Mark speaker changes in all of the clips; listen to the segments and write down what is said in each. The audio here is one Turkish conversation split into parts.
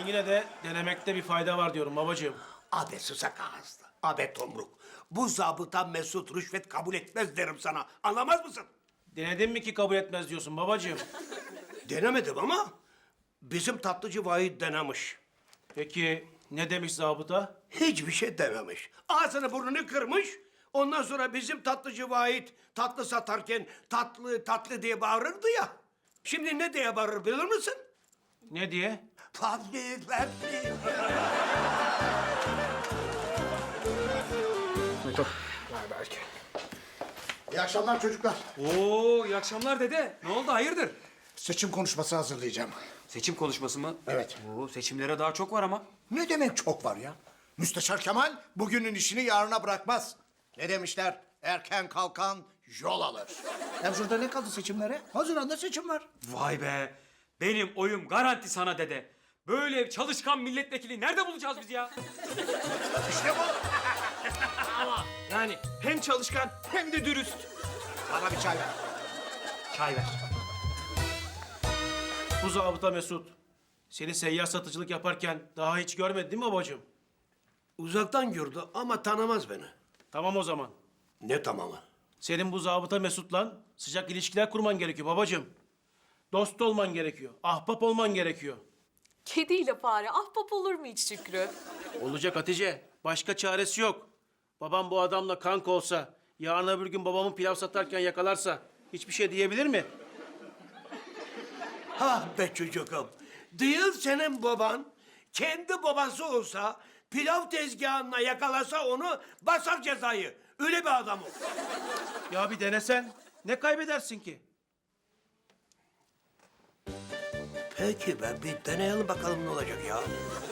Speaker 1: yine de denemekte bir fayda var diyorum babacığım.
Speaker 2: Abi susak ağızlı, abi tomruk. Bu zabıta Mesut rüşvet kabul etmez derim sana. Anlamaz mısın?
Speaker 1: Denedin mi ki kabul etmez diyorsun babacığım?
Speaker 2: Denemedim ama bizim tatlıcı Vahit denemiş.
Speaker 1: Peki ne demiş zabıta?
Speaker 2: Hiçbir şey dememiş. Ağzını burnunu kırmış. Ondan sonra bizim tatlıcı Vahit tatlı satarken tatlı tatlı diye bağırırdı ya. Şimdi ne diye bağırır bilir misin?
Speaker 1: Ne diye?
Speaker 2: Tatlı tatlı.
Speaker 3: İyi akşamlar çocuklar.
Speaker 4: Oo, iyi akşamlar dede. Ne oldu, hayırdır?
Speaker 3: Seçim konuşması hazırlayacağım.
Speaker 4: Seçim konuşması mı?
Speaker 3: Evet.
Speaker 4: Oo, seçimlere daha çok var ama.
Speaker 3: Ne demek çok var ya? Müsteşar Kemal bugünün işini yarına bırakmaz. Ne demişler? Erken kalkan yol alır. Hem şurada ne kaldı seçimlere? Haziran'da seçim var.
Speaker 4: Vay be. Benim oyum garanti sana dede. Böyle çalışkan milletvekili nerede bulacağız biz ya?
Speaker 3: İşte bu.
Speaker 4: Yani hem çalışkan hem de dürüst.
Speaker 3: Bana bir çay ver.
Speaker 4: Çay ver.
Speaker 1: Bu zabıta Mesut. Seni seyyar satıcılık yaparken daha hiç görmedi değil mi babacığım?
Speaker 2: Uzaktan gördü ama tanımaz beni.
Speaker 1: Tamam o zaman.
Speaker 2: Ne tamamı?
Speaker 1: Senin bu zabıta Mesut'la sıcak ilişkiler kurman gerekiyor babacığım. Dost olman gerekiyor. Ahbap olman gerekiyor.
Speaker 5: Kediyle fare ahbap olur mu hiç Şükrü?
Speaker 1: Olacak Hatice. Başka çaresi yok. Babam bu adamla kanka olsa, yarın öbür gün babamın pilav satarken yakalarsa hiçbir şey diyebilir mi?
Speaker 2: Ha be çocuğum. Değil senin baban. Kendi babası olsa pilav tezgahına yakalasa onu basar cezayı. Öyle bir adam o.
Speaker 1: Ya bir denesen. Ne kaybedersin ki?
Speaker 2: Peki be bir deneyelim bakalım ne olacak ya.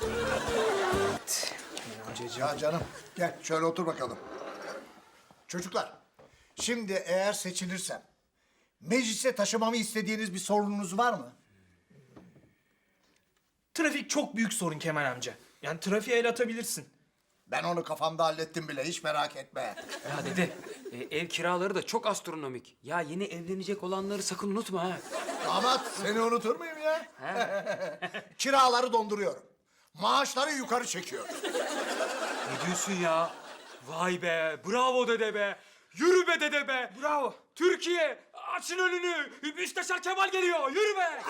Speaker 3: Ya canım gel şöyle otur bakalım. Çocuklar şimdi eğer seçilirsem meclise taşımamı istediğiniz bir sorununuz var mı?
Speaker 6: Trafik çok büyük sorun Kemal amca. Yani trafiğe el atabilirsin.
Speaker 3: Ben onu kafamda hallettim bile hiç merak etme.
Speaker 4: Ya dede, ev kiraları da çok astronomik. Ya yeni evlenecek olanları sakın unutma ha.
Speaker 3: Damat seni unutur muyum ya? Kiraları donduruyorum. Maaşları yukarı çekiyorum.
Speaker 4: Ne diyorsun ya? Vay be, bravo dede be. Yürü be dede be.
Speaker 6: Bravo.
Speaker 4: Türkiye, açın önünü. Müsteşar Kemal geliyor, yürü be.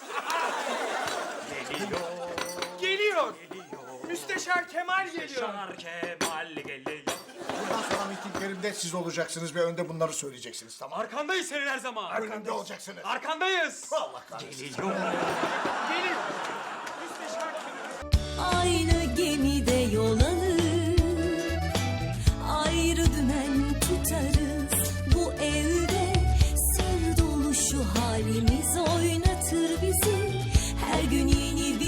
Speaker 6: Geliyor. Müsteşar Kemal geliyor.
Speaker 4: Müsteşar Kemal geliyor.
Speaker 3: Bundan sonra mitinglerimde siz olacaksınız ve önde bunları söyleyeceksiniz tamam mı?
Speaker 4: Arkandayız senin her zaman.
Speaker 3: Önünde olacaksınız.
Speaker 4: Arkandayız.
Speaker 3: Allah kahretsin.
Speaker 4: Geliyor.
Speaker 6: Geliyor. Müsteşar Kemal.
Speaker 7: Aynı gemide yol alır, ayrı dümen tutarız. Bu evde sır dolu şu halimiz oynatır bizi. Her gün yeni